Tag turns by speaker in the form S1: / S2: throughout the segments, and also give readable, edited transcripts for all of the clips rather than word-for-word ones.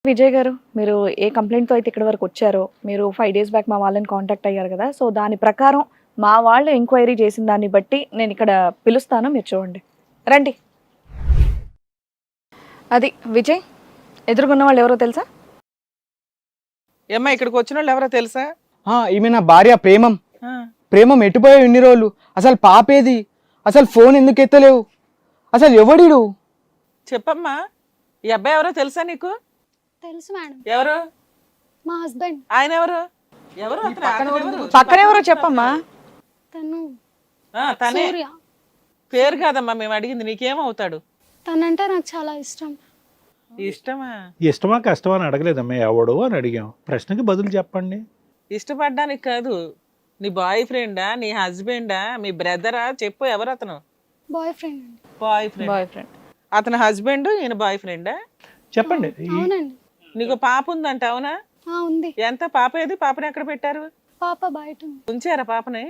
S1: విజయ్ గారు, మీరు ఏ కంప్లైంట్తో అయితే ఇక్కడ వరకు వచ్చారో, మీరు 5 days బ్యాక్ మా వాళ్ళని కాంటాక్ట్ అయ్యారు కదా, సో దాని ప్రకారం మా వాళ్ళు ఎంక్వైరీ చేసిన దాన్ని బట్టి నేను ఇక్కడ పిలుస్తాను, మీరు చూడండి. రండి. అది విజయ్, ఎదురుగున్న వాళ్ళు ఎవరో తెలుసా?
S2: ఏమ్మా ఇక్కడికి వచ్చిన వాళ్ళు ఎవరో తెలుసా?
S3: ఈమె నా భార్య ప్రేమం. ప్రేమం ఎటుపోయావు ఇన్ని రోజులు? అసలు పాపేది? అసలు ఫోన్ ఎందుకు ఎత్తలేవు? అసలు ఎవడిడు?
S2: చెప్పమ్మా, ఈ అబ్బాయి ఎవరో తెలుసా నీకు?
S4: తెలుసు మేడం,
S2: ఎవరు?
S4: మా హస్బెండ్.
S2: ఆయన ఎవరు? ఎవరు
S1: పక్కన ఎవరో చెప్పమ్మా.
S4: తను
S2: తనే.
S4: సూర్య.
S2: పేరు కాదమ్మా మేము అడిగింది, నీకేమవుతాడు?
S4: తనంటే నాకు చాలా ఇష్టం.
S2: ఇష్టమా?
S5: ఇష్టమా కష్టమా అని అడగలేదమ్మా, ఎవడు అని అడిగాం. ప్రశ్నకి బదులు చెప్పండి.
S2: ఇష్టపడ్డానికి కాదు, నీ బాయ్ ఫ్రెండా, నీ హస్బెండా, మీ బ్రదరా? చెప్పు, ఎవరు అతను?
S4: బాయ్ ఫ్రెండ్ అండి.
S2: Boyfriend. అతని హస్బెండ్, ఈయన బాయ్ ఫ్రెండా?
S5: చెప్పండి.
S4: అవునండి.
S2: నీకు పాప ఉందంట, అవునా?
S4: ఉంది.
S2: ఎంత? పాప ఏది? పాపని ఎక్కడ పెట్టారు?
S4: పాప బయట ఉంది.
S2: ఉంచారా పాపని?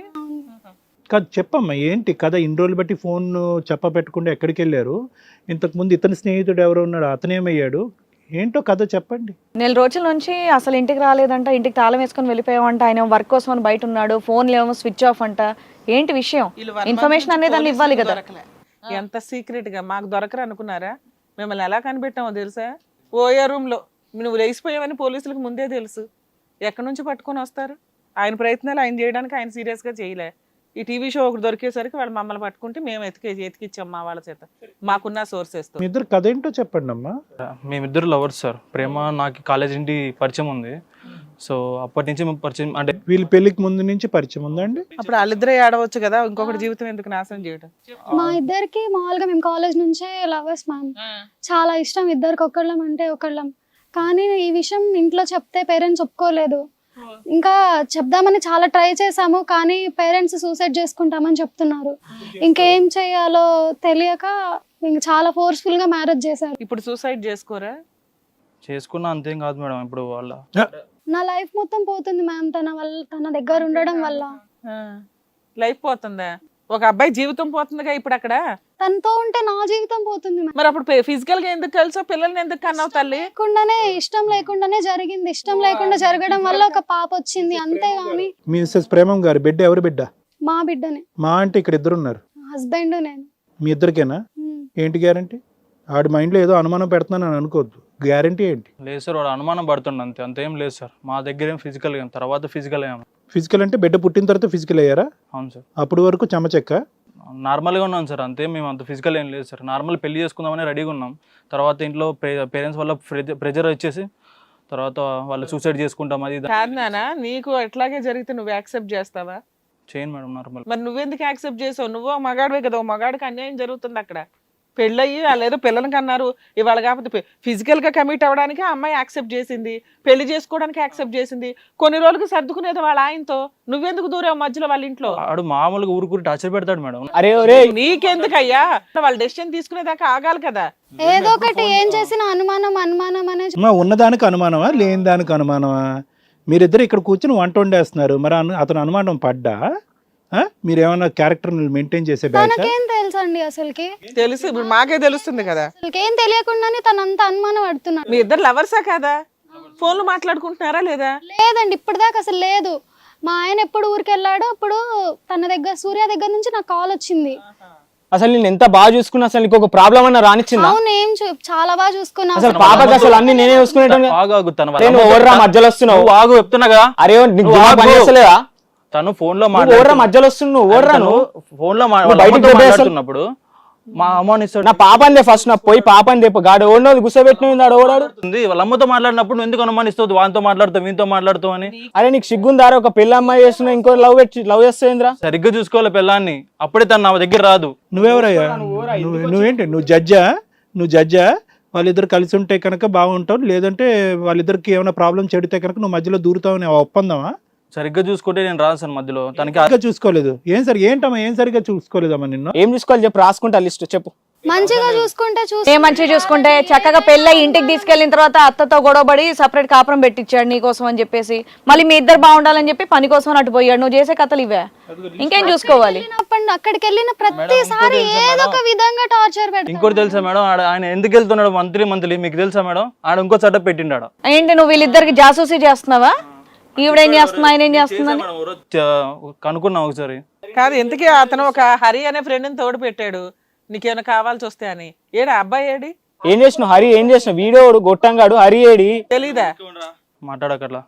S5: కాదు చెప్పమ్మా, ఏంటి కథ? ఇన్ని రోజులు బట్టి ఫోన్ చెప్ప పెట్టకుండా ఎక్కడికి వెళ్ళారు? ఇంతకుముందు ఇతని స్నేహితుడు ఎవరో ఉన్నాడు, అతనేమయ్యాడు? ఏంటో కథ చెప్పండి.
S1: 4 రోజుల నుంచి అసలు ఇంటికి రాలేదంట, ఇంటికి తాళం వేసుకొని వెళ్ళిపోయామంట, ఆయన వర్క్ కోసం అని బయట ఉన్నాడు, ఫోన్లు ఏమో స్విచ్ ఆఫ్ అంట. ఏంటి విషయం? ఇన్ఫర్మేషన్ అనేది దాన్ని ఇవ్వాలి కదా.
S2: ఎంత సీక్రెట్ గా మాకు దొరకరు అనుకున్నారా? మిమ్మల్ని ఎలా కనిపెట్టామో తెలుసా? ఓయో రూమ్ లో నువ్వు లేచిపోయావని పోలీసులకు ముందే తెలుసు. ఎక్కడి నుంచి పట్టుకొని వస్తారు? ఆయన ప్రయత్నాలు ఆయన చేయడానికి ఆయన సీరియస్ గా చేయలే. ఈ టీవీ షో ఒకటి దొరికేసరికి వాళ్ళు మమ్మల్ని పట్టుకుంటే మేము ఎతికిచ్చాం మా వాళ్ళ చేత, మాకున్న సోర్సెస్ తో.
S5: మీ ఇద్దరు కథ ఏంటో చెప్పండి అమ్మా.
S6: మేమిద్దరు లవర్స్ సార్. ప్రేమ నాకు కాలేజ్ నుండి పరిచయం ఉంది. సో అప్పటి నుంచి మేము పరిచయం, అంటే
S5: వీళ్ళ పెళ్లికి ముందు నుంచి పరిచయం ఉందండి?
S2: అప్పుడు వాళ్ళిద్దరే ఆడవచ్చు కదా, ఇంకొకటి జీవితం ఎందుకు నాశనం చేయడం?
S4: మా ఇద్దరికి మామూలుగా మేము కాలేజ్ నుంచే లవర్స్ మ్యామ్. చాలా ఇష్టం ఇద్దరికి, ఒకళ్ళం అంటే ఒకళ్ళం. కానీ ఈ విషయం ఇంట్లో చెప్తే పేరెంట్స్ ఒప్పుకోలేదు. ఇంకా చెప్దామని చాలా ట్రై చేసాము, కానీ పేరెంట్స్ సూసైడ్ చేసుకుంటామని చెప్తున్నారు. ఇంకేం చేయాలో తెలియక ఇంక చాలా ఫోర్స్ఫుల్ గా మ్యారేజ్ చేశారు.
S2: ఇప్పుడు సూసైడ్ చేసుకోరా?
S6: చేసుకున్నా అంతేం కాదు మేడం. ఇప్పుడు వాళ్ళ
S4: నా లైఫ్ మొత్తం పోతుంది మ్యామ్ తన దగ్గర ఉండడం వల్ల.
S2: లైఫ్ పోతుందా? ఒక అబ్బాయి జీవితం పోతుందిగా ఇప్పుడు అక్కడ.
S4: తనతో ఉంటే నా జీవితం పోతుంది మ్యామ్.
S2: మరి అప్పుడు ఫిజికల్ గా ఎందుకు కలిసో, పిల్లల్ని ఎందుకు కన్నావు తల్లి?
S4: ఇష్టం లేకుండానే జరిగింది. ఇష్టం లేకుండా జరగడం వల్ల ఒక పాప వచ్చింది, అంతేగాని.
S5: మిసెస్ ప్రేమం గారి బిడ్డ ఎవరు బిడ్డ?
S4: మా బిడ్డనే.
S5: మా అంటే ఇక్కడ ఇద్దరు ఉన్నారు.
S4: హస్బెండ్ నేను.
S5: మీ ఇద్దరికేనా? ఏంటి గ్యారంటీ? ఆడి మైండ్ లో ఏదో అనుమానం పెడుతున్నాను అనుకోవద్దు. గ్యారంటీ ఏంటి?
S6: లేదు సార్, వాడు అనుమానం పడుతుండ అంతే, అంతేం లేదు సార్. మా దగ్గర ఏం ఫిజికల్ ఏం, తర్వాత ఫిజికల్ ఏం.
S5: ఫిజికల్ అంటే బిడ్డ పుట్టిన తర్వాత ఫిజికల్ అయ్యారా?
S6: అవును సార్.
S5: అప్పటి వరకు చెమచెక్క
S6: నార్మల్గా ఉన్నాం సార్, అంతే. మేము అంత ఫిజికల్ ఏం లేదు సార్. నార్మల్ పెళ్లి చేసుకుందామని రెడీగా ఉన్నాం. తర్వాత ఇంట్లో పేరెంట్స్ వల్ల ప్రెజర్ వచ్చేసి తర్వాత వాళ్ళు సూసైడ్ చేసుకుంటాం అది
S2: కాదు నాన్న, నీకు ఎట్లాగే జరిగితే నువ్వు యాక్సెప్ట్ చేస్తావా?
S6: చేయను మేడం నార్మల్.
S2: మరి నువ్వెందుకు యాక్సెప్ట్ చేసావు? నువ్వు మగాడివే కదా, మగాడికి అన్యాయం జరుగుతుంది అక్కడ. పెళ్ళయ్యి వాళ్ళు ఏదో పిల్లలకి అన్నారు, ఇవాళ కాకపోతే ఫిజికల్ గా కమిట్ అవ్వడానికి ఆ అమ్మాయి యాక్సెప్ట్ చేసింది, పెళ్లి చేసుకోవడానికి యాక్సెప్ట్ చేసింది. కొన్ని రోజులకు సర్దుకునేది వాళ్ళ ఆయనతో. నువ్వెందుకు దూరావు మధ్యలో వాళ్ళ ఇంట్లో?
S6: ఆడు మామూలుగా ఊరుకూరి టార్చర్ పెడతాడు మేడం.
S3: అరే
S2: నీకెందుకయ్యా? వాళ్ళు డెసిషన్ తీసుకునేదాకా ఆగాలి కదా.
S4: ఏదో ఒకటి ఏం చేసినా అనుమానం అనే.
S5: ఉన్నదానికి అనుమానమా, లేని దానికి అనుమానమా? మీరిద్దరు ఇక్కడ కూర్చుని వంట వండేస్తున్నారు, మరి అతను అనుమానం పడ్డా? మీరేమన్నా క్యారెక్టర్ మెయింటైన్ చేసే
S4: తనకేం తెలుసండి అసలుకి?
S2: తెలుసు, ఇప్పుడు మాకే తెలుస్తుంది కదా.
S4: అసలుకేం తెలియకుండానే తనంత అనుమానం పడుతున్నాడు.
S2: మీ ఇద్దరు లవర్సా కదా? ఫోన్లు మాట్లాడుకుంటున్నారా లేదా?
S4: లేదండి, ఇప్పటిదాకా అసలు లేదు. మా ఆయన ఎప్పుడు ఊరికి వెళ్ళాడో అప్పుడు తన దగ్గర, సూర్య దగ్గర నుంచి నాకు కాల్ వచ్చింది.
S3: అసలు నేను ఎంత బాగా చూసుకున్నా, అసలు నీకు ఒక ప్రాబ్లం అన్న రానిచ్చిందా?
S4: అవును, ఏం చాలా బాగా చూసుకున్నా.
S3: అసలు పాపకి అసలు అన్ని నేనే చూసుకునేటోని.
S6: ఆగు, తన
S3: ఓర్రా మధ్యలో వస్తున్నావు.
S6: ఆగు చెప్తున్నాగా.
S3: అరే నీకు పని చేస్తలేదా?
S6: తను ఫోన్ లో
S3: మధ్యలో వస్తున్నావు.
S6: ఫోన్ లో మాట్లాడుతున్నప్పుడు మా అమ్మని
S3: నా పాపందే ఫస్ట్, నా పోయి పాపని తెప్ప గాడు ఓడో గుసబెట్టినాడు. ఓడాడుతుంది
S6: వాళ్ళ అమ్మతో మాట్లాడినప్పుడు నువ్వు ఎందుకు అనుమానిస్తావు? వానితో మాట్లాడుతావు, వీనితో మాట్లాడుతావు అని.
S3: అరే నీకు సిగ్గుందారా? ఒక పెళ్లి అమ్మాయి చేస్తున్నా, ఇంకో లవ్ చేస్తుందిరా.
S6: సరిగ్గా చూసుకోవాలి పిల్లాన్ని, అప్పుడే తను నా దగ్గర రాదు.
S5: నువ్వెవరయ్యా? నువ్వేంటి? నువ్వు జడ్జా? వాళ్ళిద్దరు కలిసి ఉంటే కనుక బాగుంటావు, లేదంటే వాళ్ళిద్దరికి ఏమైనా ప్రాబ్లం చెడితే కనుక నువ్వు మధ్యలో దూరుతావని ఒప్పందమా?
S6: సరిగ్గా చూసుకుంటే నేను రాను సార్ మధ్యలో. తనకి
S5: చూసుకోలేదు. ఏం సరిగ్గా చూసుకోలేదమ్మా నిన్ను?
S3: ఏం చూసుకోవాలి చెప్పు, రాసుకుంటా లిస్ట్ చెప్పు.
S4: మంచిగా చూసుకుంటే
S1: ఏ మంచిగా చూసుకుంటే చక్కగా పెళ్ళై ఇంటికి తీసుకెళ్లిన తర్వాత అత్తతో గొడవపడి సపరేట్ కాపురం పెట్టించాడు నీ కోసం అని చెప్పేసి, మళ్ళీ మీ ఇద్దరు బాగుండాలని చెప్పి పని కోసం అటు పోయాడు. నువ్వు చేసే కథలు ఇవే, ఇంకేం చూసుకోవాలి?
S4: అక్కడికి వెళ్ళిన ప్రతిసారి ఏదో ఒక విధంగా టార్చర్ పెడతాడు.
S6: ఇంకోటి తెలుసా మేడం, ఆయన ఎందుకు వెళ్తున్నాడు మంత్లీ మీకు తెలుసా మేడం? ఆడ ఇంకో సెటప్ పెట్టిండాడు.
S1: ఏంటి నువ్వు వీళ్ళిద్దరికి జాసూసీ చేస్తున్నావా? ఈవిడేం చేస్తున్నా, ఆయన ఏం చేస్తున్నా?
S6: కనుక్కున్నాం ఒకసారి.
S2: కాదు, ఎందుకే అతను ఒక హరి అనే ఫ్రెండ్ని తోడు పెట్టాడు నీకేమైనా కావాల్సి వస్తే అని. ఏడా అబ్బాయి ఏడి?
S3: ఏం చేసినావు హరి? ఏం చేసినావు? వీడోడు గొట్టంగాడు హరి ఏడి?
S2: తెలీదా?
S6: మాట్లాడకట్లా.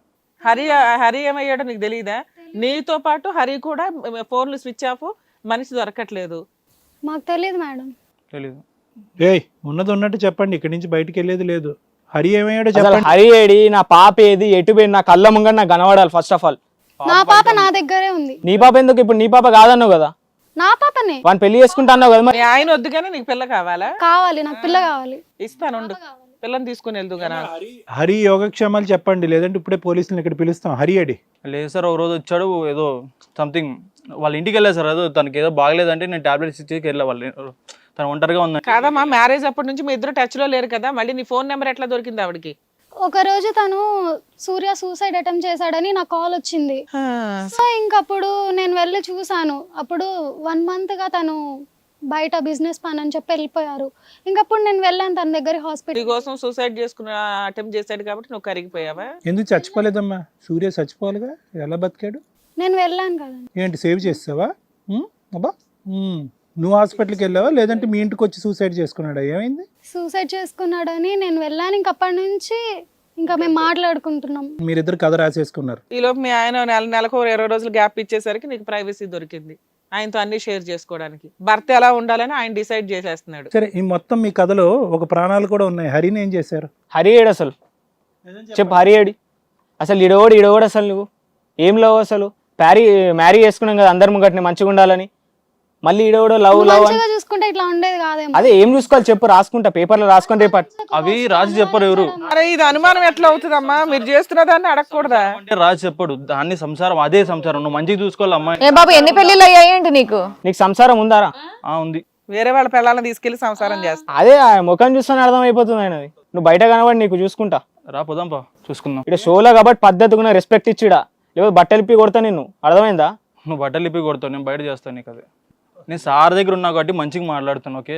S2: హరి ఏమయ్యాడో నీకు తెలీదా? నీతో పాటు హరి కూడా ఫోన్లు స్విచ్ ఆఫ్, మనిషి దొరకట్లేదు.
S4: మాకు తెలియదు మేడం.
S6: తెలీదు.
S5: ఏయ్ ఉన్నది ఉన్నట్టు చెప్పండి, ఇక్కడి నుంచి బయటికి వెళ్ళేది లేదు. హరి ఏమయ్యాడో
S3: అసలు
S5: చెప్పండి.
S3: హరి ఏడి? నా పాప ఏది? ఎటు పోయింది? నా కళ్ళ ముంగ నాకు కనబడాలి ఫస్ట్ ఆఫ్ ఆల్.
S4: నా పాప నా దగ్గరే ఉంది.
S3: నీ పాప ఎందుకు? ఇప్పుడు నీ పాప కాదన్నావు కదా,
S4: నా పాపనే
S3: వాడిని పెళ్లి చేసుకుంటా అన్నావు కదా. మరి
S2: మీ ఆయన వద్దు కానీ నీకు పిల్ల కావాలా?
S4: కావాలి, నాకు పిల్ల కావాలి.
S2: ఇస్తానుండు, పిల్లని తీసుకుని వెళ్దు కదా.
S5: హరి యోగక్షేమాలు చెప్పండి, లేదంటే ఇప్పుడే పోలీసులను ఇక్కడ పిలుస్తాం. హరి ఏడి?
S6: లేదు సార్, ఒక రోజు వచ్చాడు, ఏదో సంథింగ్ వాళ్ళ ఇంటికి వెళ్ళా సార్. ఏదో తనకి ఏదో బాగలేదంటే నేను టాబ్లెట్స్ ఇచ్చేకి వెళ్ళా. వాళ్ళు తను ఒంటరిగా ఉంది.
S2: కాదమ్మా, మ్యారేజ్ అప్పటి నుంచి మీ ఇద్దరు టచ్ లో లేరు కదా, మళ్ళీ నీ ఫోన్ నెంబర్ ఎట్లా దొరికింది ఆవిడకి?
S4: ఒక రోజు తను సూర్య సూసైడ్ అటెంప్ట్ చేశాడని నాకు కాల్ వచ్చింది. సో ఇంకప్పుడు నేను వెళ్ళి చూసాను. అప్పుడు 1 month గా తను బయట బిజినెస్ పని అని చెప్పి వెళ్ళిపోయారు. ఇంకప్పుడు నేను వెళ్ళాను తన దగ్గర
S2: నీ
S4: హాస్పిటల్.
S2: కోసం సూసైడ్ చేసుకున్న అటెంప్ట్ చేశాడు కాబట్టి నువ్వు కరిగిపోయావా?
S5: ఎందుకు చచ్చిపోలేదమ్మా? సూర్య చచ్చిపోవాలిగా, ఎలా బతికాడు?
S4: నేను వెళ్ళాను కదండి.
S5: ఏంటి సేవ్ చేస్తావా? అబ్బా నువ్వు హాస్పిటల్కి వెళ్ళావా, లేదంటే మీ ఇంటికి వచ్చి సూసైడ్ చేసుకున్నాడా? ఏమైంది?
S4: సూసైడ్ చేసుకున్నాడని నేను వెళ్ళాను. ఇంకప్పటి నుంచి ఇంకా మేము మాట్లాడుకుంటున్నాం.
S5: మీరిద్దరు కథ రాసేసుకున్నారు.
S2: ఈలోపు మీ ఆయన నెలకు 20 రోజులు గ్యాప్ ఇచ్చేసరికి నీకు ప్రైవసీ దొరికింది ఆయనతో అన్ని షేర్ చేసుకోవడానికి. భర్త ఎలా ఉండాలని ఆయన డిసైడ్ చేసేస్తున్నాడు.
S5: సరే, ఈ మొత్తం మీ కథలో ఒక ప్రాణాలు కూడా ఉన్నాయి. హరిని ఏం చేశారు?
S3: హరి ఏడు అసలు? చెప్పు, హరి ఏడి అసలు? ఈడోడు అసలు నువ్వు ఏం లవ్ అసలు? మ్యారీ చేసుకున్నాం కదా అందరి ముంగట్ని మంచిగా ఉండాలని, మళ్ళీ ఈడోడు లవ్ అని.
S4: మంచిగా చూసుకుంటే ఇట్లా ఉండేది కాదేమో.
S3: అదే ఏం చూసుకోవాలి చెప్పు, రాసుకుంటా పేపర్లో రాసుకుంటే
S6: అవి రాజు చెప్పరు ఎవరు.
S2: అరే ఇది అనుమానం ఎట్లా అవుతుందమ్మా? మీరు చేస్తున్న దాన్ని అడగకూడదా?
S6: అంటే రాజు చెప్పడు, దాన్ని సంసారం అదే సంసారం. నువ్వు మంచిగా చూసుకోవాలి అమ్మాయి.
S1: ఏ బాబు, ఎన్ని పెళ్లిళ్ళు అయ్యాయేంటి నీకు?
S3: నీకు సంసారం ఉందారా?
S6: ఉంది.
S2: వేరే వాళ్ళ పిల్లల్ని తీసుకెళ్లి సంసారం చేస్తా.
S3: అదే ఆ ముఖం చూస్తాను అర్థం అయిపోతుంది ఆయనది. నువ్వు బయట కనబడి నీకు చూసుకుంటా.
S6: రా పోదాంపా, చూసుకుందాం.
S3: ఇక్కడ షోలో కాబట్టి పద్ధతిగా రెస్పెక్ట్ ఇచ్చిడా, లేకపోతే బట్టలు ఇప్పి కొడతా నిన్ను, అర్థమైందా?
S6: నువ్వు బట్టలు ఇప్పి కొడతావు, నేను బయట చేస్తాను నీకు. అదే నేను సార్ దగ్గర ఉన్నా కాబట్టి మంచిగా మాట్లాడుతాను. ఓకే,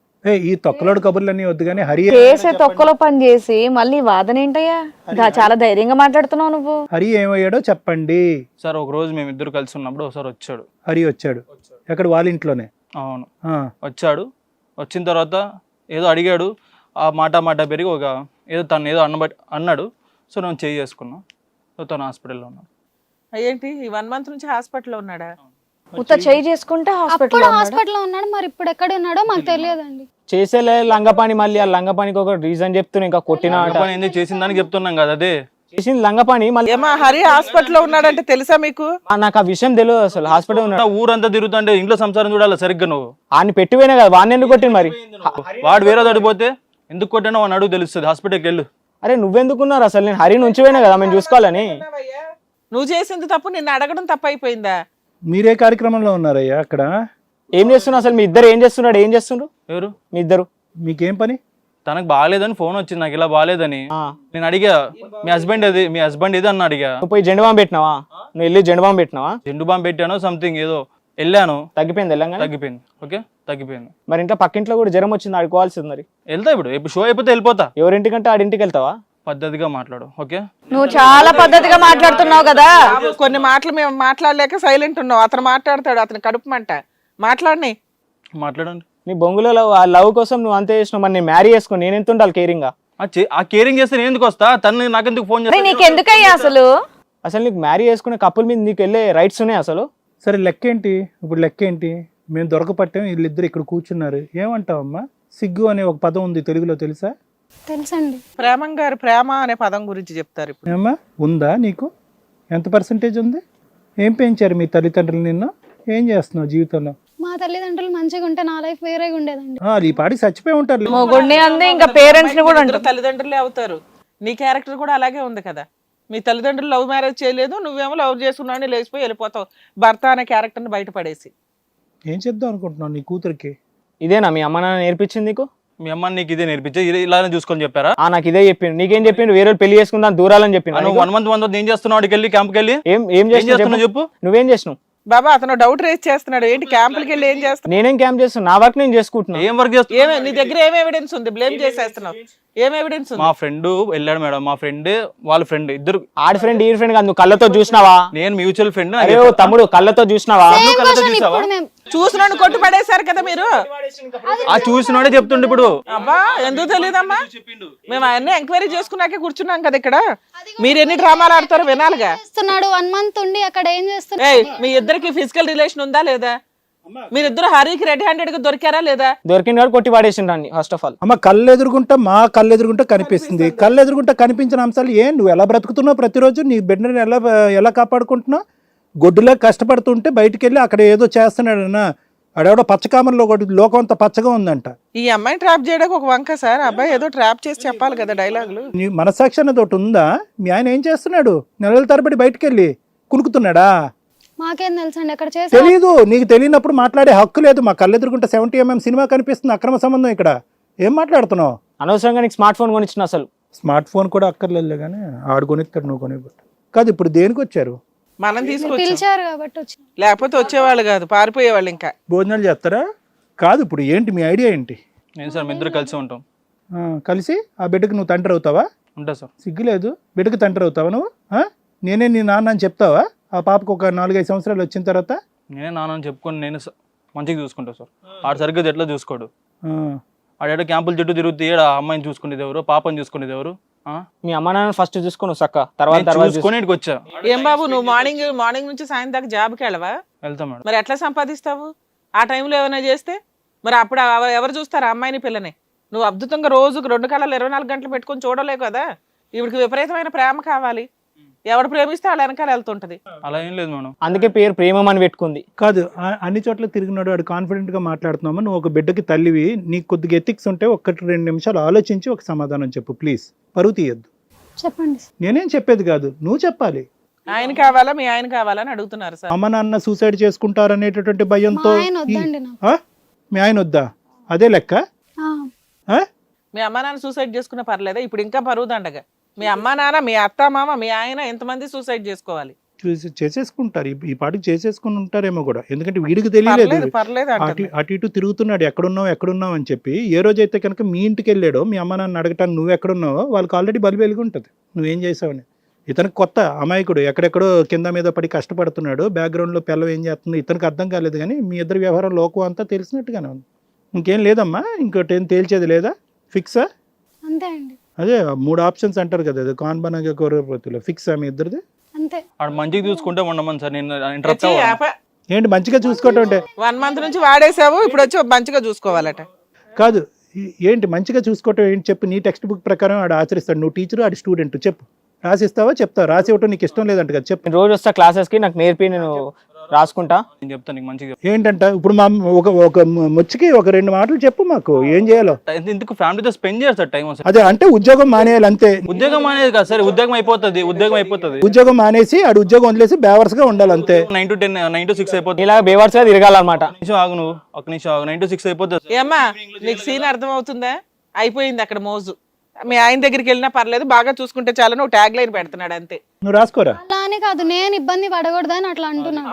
S5: ఈ తొక్కలోడు కబుర్లన్నీ వద్దు కానీ హరి
S1: చేసే తొక్కలో పని చేసి మళ్ళీ వాదన ఏంటయ్యా? చాలా ధైర్యంగా మాట్లాడుతున్నావు నువ్వు.
S5: హరి ఏమయ్యాడో చెప్పండి
S6: సార్. ఒక రోజు మేము ఇద్దరు కలిసి ఉన్నప్పుడు ఒకసారి వచ్చాడు.
S5: హరి వచ్చాడు ఎక్కడ? వాళ్ళ ఇంట్లోనే?
S6: అవును, వచ్చాడు. వచ్చిన తర్వాత ఏదో అడిగాడు, ఆ మాట పెరిగి ఒక ఏదో తను ఏదో అన్నాడు. సో నేను చేయి చేసుకున్నా. సో తను హాస్పిటల్లో ఉన్నాడు.
S2: ఏంటి ఈ 1 month నుంచి హాస్పిటల్లో ఉన్నాడా?
S1: ఉత్త చేయి చేసుకుంటే
S4: అప్పుడు హాస్పిటల్లో ఉన్నాడు. మరి ఇప్పుడు ఎక్కడ ఉన్నాడో మాకు తెలియదండి.
S3: చేసేలే లంగపాని, మళ్ళీ ఆ లంగపానికి ఒక రీజన్ చెప్తున్నా, ఇంకా కొట్టిన
S6: పని ఎందుకు చేసిన దానికి చెప్తున్నాం కదా. అదే
S3: చేసింది లంగపాని. మళ్ళీ
S2: ఏమా హరి హాస్పిటల్లో ఉన్నాడంటే తెలుసా మీకు?
S3: నాకు ఆ విషయం తెలియదు అసలు. హాస్పిటల్ ఉన్నాడు.
S6: ఊరంతా తిరుగుతుంటే ఇంట్లో సంసారం చూడాలి సరిగ్గా. నువ్వు
S3: ఆయన పెట్టిపోయినా కదా, వాడిని ఎందుకు కొట్టింది మరి?
S6: వాడు వేరే తడిపోతే ఎందుకు కొట్టానో వాడిని అడుగు తెలుస్తుంది. హాస్పిటల్కి వెళ్ళు.
S3: అరే నువ్వెందుకున్నారు అసలు? నేను హరిని ఉంచిపోయినా కదా మేము చూసుకోవాలని.
S2: నువ్వు చేసింది తప్పు, నిన్ను అడగడం తప్పు అయిపోయిందా?
S5: మీరే కార్యక్రమంలో ఉన్నారయ్యా అక్కడ?
S3: ఏం చేస్తున్నారు అసలు? మీ ఇద్దరు ఏం చేస్తున్నాడు? ఏం చేస్తుండ్రు
S6: ఎవరు?
S3: మీ ఇద్దరు.
S5: మీకేం పని?
S6: తనకు బాగాలేదని ఫోన్ వచ్చింది, నాకు ఇలా బాగాలేదని. నేను అడిగా, మీ హస్బెండ్ ఏది అన్న అడిగా.
S3: నువ్వు పోయి జెండు బాంబు పెట్టినావా? నువ్వు వెళ్ళి జెండు బాంబు పెట్టినావా?
S6: జెండు బాంబు పెట్టాను సంథింగ్ ఏదో వెళ్ళాను.
S3: తగ్గిపోయింది? వెళ్ళంగా
S6: తగ్గిపోయింది. ఓకే, తగ్గిపోయింది.
S3: మరి ఇంట్లో పక్కింట్లో కూడా జ్వరం వచ్చింది, ఆడుకోవాల్సింది. మరి
S6: వెళ్తా ఇప్పుడు షో అయిపోతే వెళ్ళిపోతా.
S3: ఎవరింటికంటే ఆడింటికి వెళ్తావా?
S6: పద్ధతిగా మాట్లాడు. ఓకే,
S1: నువ్వు చాలా పద్ధతిగా మాట్లాడుతున్నావు కదా.
S2: కొన్ని మాటలు మేము మాట్లాడలేక సైలెంట్ ఉన్నావు. అతను మాట్లాడతాడు, అతను కడుపు మంట. మాట్లాడని
S6: మాట్లాడండి.
S3: నీ బొంగులో లవ్ కోసం నువ్వు అంతే చేసినావు. మరి నేను మ్యారీ చేసుకుని నేను ఎంత ఉండాలి కేరింగ్ గా?
S6: ఆ కేరింగ్ చేస్తే నేను ఎందుకు వస్తా? తను నాకెందుకు ఫోన్
S1: అరే నీకెందుకయ్యా అసలు?
S3: అసలు నీకు మ్యారీ చేసుకునే కప్పుల మీద నీకు వెళ్ళే రైట్స్ ఉన్నాయి అసలు?
S5: సరే లెక్క ఏంటి ఇప్పుడు? లెక్క ఏంటి? మేము దొరకపట్టాం, వీళ్ళిద్దరు ఇక్కడ కూర్చున్నారు. ఏమంటావమ్మా? సిగ్గు అనే ఒక పదం ఉంది తెలుగులో, తెలుసా?
S4: తెలుసండి.
S2: ప్రేమం గారు ప్రేమ అనే పదం గురించి చెప్తారు ఇప్పుడు.
S5: ఏమ్మా ఉందా నీకు? ఎంత పర్సంటేజ్ ఉంది? ఏం పెంచారు మీ తల్లిదండ్రులు నిన్ను? ఏం చేస్తున్నావు జీవితంలో?
S4: మా తల్లిదండ్రులు మంచిగా ఉంటే నా లైఫ్ వేరేగా ఉండేదండి.
S5: ఈ పాటికి చచ్చిపోయి ఉంటారు.
S1: మొగుడిని అంది, ఇంకా పేరెంట్స్ ని కూడా
S2: ఇద్దరు తల్లిదండ్రులే అవుతారు. నీ క్యారెక్టర్ కూడా అలాగే ఉంది కదా. మీ తల్లిదండ్రులు లవ్ మ్యారేజ్ చేయలేదు, నువ్వేమో లవ్ చేసుకున్నావు, లేచిపోయి వెళ్ళిపోతావు భర్త అనే క్యారెక్టర్ని బయటపడేసి.
S5: ఏం చేద్దాం అనుకుంటున్నావు నీ కూతురికి?
S3: ఇదేనా మీ అమ్మ నాన్న నేర్పించింది నీకు?
S6: మీ అమ్మ నీకు ఇదే నేర్పించే ఇలానే చూసుకొని చెప్పారా?
S3: నాకు ఇదే చెప్పిండు. నీకేం చెప్పిండు? వేరే వాళ్ళు పెళ్లి చేసుకుందాం దూరాలని చెప్పిండు.
S6: నువ్వు 1 month ఏం చేస్తున్నావు? అక్కడికి వెళ్ళి క్యాంప్కి వెళ్ళి
S3: ఏం చేస్తున్నావు
S6: చెప్పు.
S3: నువ్వేం చేసినావు?
S2: బాబా అతను డౌట్ రేస్ చేస్తున్నాడు. ఏంటి క్యాంపులకి వెళ్ళి ఏం చేస్తున్నావు?
S3: నేనేం క్యాంప్ చేస్తున్నా? నా వర్క్ నేను చేసుకుంటున్నా.
S6: ఏం వర్క్ చేస్తున్నావు?
S2: నీ దగ్గర ఏం ఎవిడెన్స్ ఉంది? బ్లేమ్ చేసేస్తున్నావు. ఏం ఎవిడెన్స్ ఉంది?
S6: మా ఫ్రెండ్ వెళ్ళాడు మేడం. మా ఫ్రెండ్ వాళ్ళ ఫ్రెండ్ ఇద్దరు.
S3: ఆడి ఫ్రెండ్ ఈ ఫ్రెండ్ కాదు, నువ్వు కళ్ళతో చూసినావా?
S6: నేను మ్యూచువల్ ఫ్రెండ్.
S3: అరే ఓ తమ్ముడు కళ్ళతో చూసినావా?
S4: Same
S6: కళ్ళతో
S4: question
S6: చూసావా?
S4: ఇప్పుడు మేము
S2: చూసినాడు కొట్టు పడేశారు కదా మీరు.
S6: ఆ చూసినాడే చెప్తుండే ఇప్పుడు.
S2: అబ్బా ఎందుకు తెలియదమ్మా? మేము అవన్నీ ఎంక్వైరీ చేసుకున్నాకే కూర్చున్నాం కదా ఇక్కడ. మీరు ఎన్ని డ్రామాలు ఆడతారో వినాలిగా.
S4: చేస్తున్నాడు 1 month ఉండి అక్కడ ఏం చేస్తున్నాడు?
S2: ఏయ్ మీ ఇద్దరికి ఫిజికల్ రిలేషన్ ఉందా లేదా? మీరిద్దరు హరికి రెడ్ హ్యాండెడ్ గా దొరికారా లేదా?
S3: దొరికిన వాడు కొట్టి పడేసిండ్రు ఫస్ట్ ఆఫ్ ఆల్.
S5: అమ్మ కళ్ళు ఎదురుగుంటా మా కళ్ళు ఎదురుగుంటా కనిపిస్తుంది. కళ్ళు ఎదురుగుంటా కనిపించిన అంశాలు నువ్వు ఎలా బ్రతుకుతున్నావు? ప్రతిరోజు నీ బిడ్డని ఎలా కాపాడుకుంటున్నావు? గొడ్డులా కష్టపడుతుంటే బయటికి వెళ్ళి అక్కడ ఏదో చేస్తున్నాడన్నా. ఆడెవడో పచ్చకామర్లో లోకం అంతా పచ్చగా ఉందంట.
S2: ఈ అమ్మాయిని ట్రాప్ చేయడానికి ఒక వంక సార్. అబ్బాయి ఏదో ట్రాప్ చేసి చెప్పాలి కదా డైలాగులు.
S5: నీ మనసాక్షి అన్నది ఒకటి ఉందా? మీ ఆయన ఏం చేస్తున్నాడు? నెలల తరబడి బయటికి వెళ్ళి కునుకుతున్నాడా?
S4: మాకేం తెలుసండి అక్కడ చేసే
S5: తెలీదు. నీకు తెలియనప్పుడు మాట్లాడే హక్కు లేదు. మా కళ్ళు ఎదురుకుంటే 70mm సినిమా కనిపిస్తుంది. అక్రమ సంబంధం ఇక్కడ. ఏం మాట్లాడుతున్నావు?
S3: అనవసరంగా నీకు స్మార్ట్ ఫోన్ కొనిచ్చిన అసలు.
S5: స్మార్ట్ ఫోన్ కూడా అక్కర్లేదు కానీ ఆడు కొనిస్తాడు, నువ్వు కొనివ్వడు. కాదు ఇప్పుడు దేనికి వచ్చారు?
S2: మనం తీసుకొచ్చాం.
S4: పిలిచారు కాబట్టి వచ్చి
S2: లేకపోతే వచ్చేవాళ్ళు కాదు, పారిపోయేవాళ్ళు. ఇంకా
S5: భోజనాలు చేస్తారా? కాదు ఇప్పుడు ఏంటి మీ ఐడియా ఏంటి?
S6: నేను సార్ మీ ఇద్దరు కలిసి ఉంటాం.
S5: కలిసి ఆ బిడ్డకి నువ్వు తండ్రి అవుతావా?
S6: ఉంటా సార్.
S5: సిగ్గులేదు? బిడ్డకి తండ్రి అవుతావా నువ్వు? నేనే నీ నాన్న అని చెప్తావా? ఆ పాపకు ఒక 4-5 సంవత్సరాలు వచ్చిన తర్వాత
S6: నేనే నాన్న చెప్పుకొని నేను మంచిగా చూసుకుంటా సార్. ఆడు సరిగ్గా ఎట్లా చూసుకోడు. ఆడ క్యాంపుల చుట్టూ తిరుగుతూ ఏడ అమ్మాయిని చూసుకునేది ఎవరు, పాపని చూసుకునేది ఎవరు?
S3: మీ అమ్మ నాన్న ఫస్ట్ చూసుకోను సక్క, తర్వాత
S6: చూసుకొని ఇక్కడికి వచ్చా.
S2: ఏం బాబు నువ్వు మార్నింగ్ నుంచి సాయంత్రం దాకా జాబ్కి వెళ్ళవా?
S6: వెళ్తా మేడం.
S2: మరి ఎట్లా సంపాదిస్తావు? ఆ టైంలో ఏమైనా చేస్తే మరి అప్పుడు ఎవరు చూస్తారు అమ్మాయిని పిల్లని? నువ్వు అద్భుతంగా రోజుకు 2 కళలు 24 గంటలు పెట్టుకొని చూడలేవు కదా. ఇవిడికి విపరీతమైన ప్రేమ కావాలి. ఎవడు ప్రేమిస్తే వాళ్ళ వెనకాల వెళ్తుంటది.
S6: అలా ఏం లేదు మేడం.
S3: అందుకే పేరు ప్రేమం అని పెట్టుకుంది.
S5: కాదు అన్ని చోట్ల తిరిగినాడు వాడు కాన్ఫిడెంట్ గా మాట్లాడుతున్నామా? నువ్వు ఒక బిడ్డకి తల్లివి, నీకు కొద్దిగా ఎథిక్స్ ఉంటే 1-2 నిమిషాలు ఆలోచించి ఒక సమాధానం చెప్పు ప్లీజ్. పరువు తీయద్దు.
S4: చెప్పండి.
S5: నేనేం చెప్పేది కాదు, నువ్వు చెప్పాలి.
S2: ఆయన కావాలా మీ ఆయన కావాలా అని అడుగుతున్నారు సార్.
S5: అమ్మ నాన్న సూసైడ్ చేసుకుంటారనేటటువంటి భయంతో.
S4: మా ఆయన వద్దండి నాకు.
S5: మీ ఆయన వద్దా? అదే లెక్క.
S2: మీ అమ్మ నాన్న సూసైడ్ చేసుకున్న పర్లేదా? ఇప్పుడు ఇంకా పరువుదండగా. మీ అమ్మ నాన్న, మీ అత్త మామ, మీ ఆయన ఎంతమంది సూసైడ్ చేసుకోవాలి?
S5: చేసేసుకుంటారు. ఈ పాటికి చేసేసుకుని ఉంటారేమో కూడా. ఎందుకంటే వీడికి తెలియలేదు.
S2: పర్లేదు
S5: అటు ఇటు తిరుగుతున్నాడు ఎక్కడున్నావు అని చెప్పి. ఏ రోజైతే కనుక మీ ఇంటికి వెళ్ళాడో మీ అమ్మ నాన్న అడగటానికి నువ్వు ఎక్కడున్నావో వాళ్ళకి ఆల్రెడీ బలి వెలిగి ఉంటుంది నువ్వేం చేసావని. ఇతనికి కొత్త అమాయకుడు, ఎక్కడెక్కడో కింద మీద పడి కష్టపడుతున్నాడు. బ్యాక్గ్రౌండ్లో పిల్లలు ఏం చేస్తుంది ఇతనికి అర్థం కాలేదు. కానీ మీ ఇద్దరి వ్యవహారం లోకం అంతా తెలిసినట్టుగానే ఉంది. ఇంకేం లేదమ్మా? ఇంకోటి ఏం తేల్చేది లేదా? ఫిక్సా?
S4: అంతే అండి.
S5: అదే 3 ఆప్షన్స్ అంటారు కదా, అది కాన్బనగా కోరపతిలో. ఫిక్సా మీ ఇద్దరిది?
S4: అంతే.
S6: ఆడు మంచిగా చూసుకుంటే ఉండమని సార్. నేను ఇంటరప్ట్ అవ్వాలి.
S5: ఏంటి మంచిగా చూసుకోవటం అంటే?
S2: 1 month నుంచి వాడేసావు, ఇప్పుడు వచ్చి మంచిగా చూసుకోవాలట.
S5: కాదు ఏంటి మంచిగా చూసుకోవటం ఏంటి చెప్పు. నీ టెక్స్ట్ బుక్ ప్రకారం ఆడు ఆచరిస్తాడు. నువ్వు టీచరు, ఆడు స్టూడెంట్. చెప్పు. రాసిస్తావా? చెప్తావు. రాసి ఇవ్వటం నీకు ఇష్టం లేదంట కదా. చెప్పు.
S3: నేను రోజు వస్తా క్లాసెస్కి, నాకు నేర్పి నేను రాసుకుంటా.
S6: నేను చెప్తాను నీకు మంచిగా.
S5: ఏంటంట ఇప్పుడు మా ఒక ముచ్చికి ఒక 2 మాటలు చెప్పు మాకు. ఏం చేయాలో?
S6: ఎందుకు ఫ్యామిలీతో స్పెండ్ చేయాలి సార్ టైం.
S5: అదే అంటే ఉద్యోగం మానేయాలి అంతే.
S6: ఉద్యోగం అనేది కాదు సార్. ఉద్యోగం అయిపోతుంది.
S5: ఉద్యోగం మానేసి ఆడు ఉద్యోగం వదిలేసి బేవర్స్ గా ఉండాలి అంతే.
S6: 9 to 10, 9 to 6 అయిపోతుంది.
S3: ఇలా బేవర్స్గా తిరగాలన్నమాట.
S6: ఆగు నువ్వు ఒక నిమిషం ఆగు. 9 to 6 అయిపోతుంది.
S2: ఏమ్మా నీకు సీన్ అర్థం అవుతుందా? అయిపోయింది అక్కడ మోజు. మీ ఆయన దగ్గరికి వెళ్ళినా పర్లేదు, బాగా చూసుకుంటే చాలా నువ్వు ట్యాగ్ లైన్ పెడుతున్నాడు అంతే.
S5: నువ్వు రాసుకోరా.
S4: అలా అని కాదు, నేను ఇబ్బంది పడకూడదని అట్లా అంటున్నాను.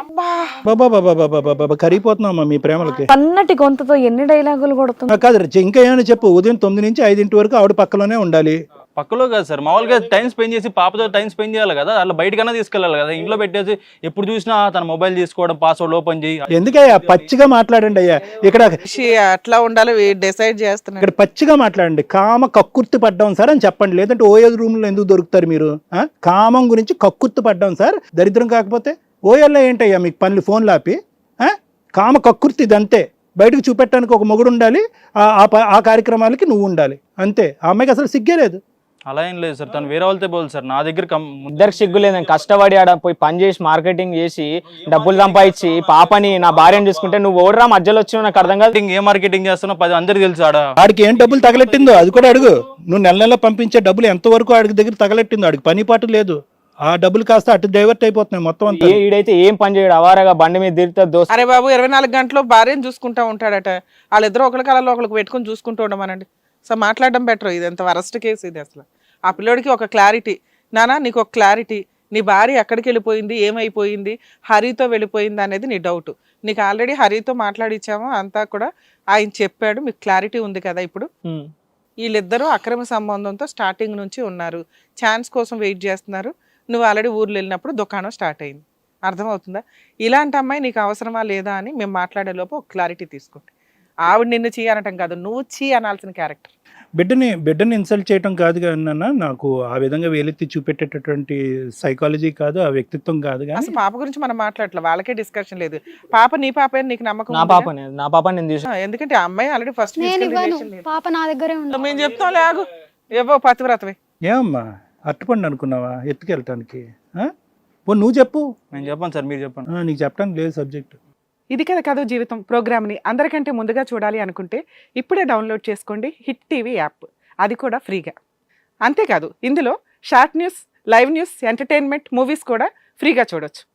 S5: బాబా కరిగిపోతున్నావమ్మా మీ ప్రేమలకి.
S1: పన్నటి గొంతుతో ఎన్ని డైలాగులు కొడుతుంది.
S5: కాదు ఇంకా ఏమైనా చెప్పు. ఉదయం 9 నుంచి 5 వరకు ఆవిడ పక్కలోనే ఉండాలి.
S6: పక్కలో కాదు సార్, మామూలుగా టైం స్పెండ్ చేసి పాపతో టైం స్పెండ్ చేయాలి కదా. అలా బయటకన్నా తీసుకెళ్ళాలి కదా. ఇంట్లో పెట్టేసి ఎప్పుడు చూసినా తన మొబైల్ తీసుకోవడం, పాస్వర్డ్ ఓపెన్ చేయి.
S5: ఎందుకయ్యా పచ్చిగా మాట్లాడండి అయ్యా. ఇక్కడ
S2: అట్లా ఉండాలి డిసైడ్ చేస్తున్నాడు.
S5: ఇక్కడ పచ్చిగా మాట్లాడండి. కామ కక్కుర్తి పడ్డాం సార్ అని చెప్పండి. లేదంటే ఓఎల్ రూమ్ లో ఎందుకు దొరుకుతారు మీరు? కామం గురించి కక్కుర్తి పడ్డాం సార్. దరిద్రం కాకపోతే ఓఎల్లో ఏంటయ్యా మీకు పనులు? ఫోన్లు ఆపి కామ కక్కుర్తి ఇదంతే. బయటకు చూపెట్టడానికి ఒక మొగుడు ఉండాలి, ఆ కార్యక్రమాలకి నువ్వు ఉండాలి అంతే. ఆ అమ్మాయికి అసలు సిగ్గే లేదు.
S6: అలా ఏం లేదు సార్. తను వేరే వాళ్ళతో పోదు సార్. నా దగ్గర
S3: ఇద్దరికి సిగ్గు లేదని కష్టపడి ఆడ పోయి పని చేసి మార్కెటింగ్ చేసి డబ్బులు సంపాదించి పాపని నా భార్యను చూసుకుంటే నువ్వు ఓడరా మధ్యలో వచ్చిన నాకు అర్థం కాదు.
S6: ఏ మార్కెటింగ్ చేస్తున్నావు 10 అందరికి తెలుసు.
S5: ఆడికి ఏం డబ్బులు తగలెట్టిందో అది కూడా అడుగు. నువ్వు నెల నెల పంపించే డబ్బులు ఎంతవరకు ఆడికి దగ్గర తగలెట్టిందో. ఆడికి పని పాటు లేదు. ఆ డబ్బులు కాస్త అటు డైవర్ట్ అయిపోతున్నాయి మొత్తం అంతా.
S3: ఈడైతే ఏం పని చేయడు, అవారగా బండి మీద తిరుగుతా దోస్తు.
S2: అరే బాబు 24 గంటలు భార్యను చూసుకుంటా ఉంటాడట. వాళ్ళిద్దరూ ఒకరి కళలో ఒకరికి పెట్టుకుని చూసుకుంటూ ఉండమనండి. సో మాట్లాడడం బెటర్. ఇది ఎంత వరస్ట్ కేసు ఇది అసలు. ఆ పిల్లోడికి ఒక క్లారిటీ, నానా నీకు ఒక క్లారిటీ, నీ భార్య ఎక్కడికి వెళ్ళిపోయింది, ఏమైపోయింది, హరితో వెళ్ళిపోయింది అనేది నీ డౌట్. నీకు ఆల్రెడీ హరితో మాట్లాడిచ్చాము అంతా కూడా, ఆయన చెప్పాడు, మీకు క్లారిటీ ఉంది కదా. ఇప్పుడు వీళ్ళిద్దరూ అక్రమ సంబంధంతో స్టార్టింగ్ నుంచి ఉన్నారు, ఛాన్స్ కోసం వెయిట్ చేస్తున్నారు. నువ్వు ఆల్రెడీ ఊర్లో వెళ్ళినప్పుడు దుకాణం స్టార్ట్ అయింది. అర్థమవుతుందా? ఇలాంటి అమ్మాయి నీకు అవసరమా లేదా అని మేము మాట్లాడే లోపు ఒక క్లారిటీ తీసుకోండి. ఆవిడ నిన్ను చీ అనటం కాదు, నువ్వు చీ అనాల్సిన క్యారెక్టర్.
S5: బిడ్డని ఇన్సల్ట్ చేయటం కాదు కానీ నాకు ఆ విధంగా వేలెత్తి చూపెట్టేటటువంటి సైకాలజీ కాదు, ఆ వ్యక్తిత్వం కాదు. కానీ
S2: అసలు పాప గురించి మనం మాట్లాడలే, వాళ్ళకే డిస్కషన్ లేదు. పాప నీ పాప అని నీకు నమ్మకం
S3: నా
S2: ఉందిగా?
S3: పాపనే, నా పాప నేను తీసుకు.
S2: ఎందుకంటే ఆ అమ్మాయి ఆల్రెడీ ఫస్ట్
S4: నేను ఇవ్వను, పాప నా దగ్గరే ఉంది.
S2: మేము చెప్తాం లేగు ఏవో పతివ్రతవి.
S5: ఏమమ్మా అట్టుపండి అనుకున్నావా ఎత్తుకెళ్ళటానికి? నువ్వు చెప్పు.
S6: నేను చెప్పాను సార్, మీరు చెప్పండి.
S5: నీకు చెప్పడానికి లేదు సబ్జెక్ట్.
S2: ఇది కదా కథ జీవితం ప్రోగ్రామ్ని అందరికంటే ముందుగా చూడాలి అనుకుంటే ఇప్పుడే డౌన్లోడ్ చేసుకోండి హిట్ టీవీ యాప్, అది కూడా ఫ్రీగా. అంతేకాదు ఇందులో short news, live news, entertainment, movies కూడా ఫ్రీగా చూడొచ్చు.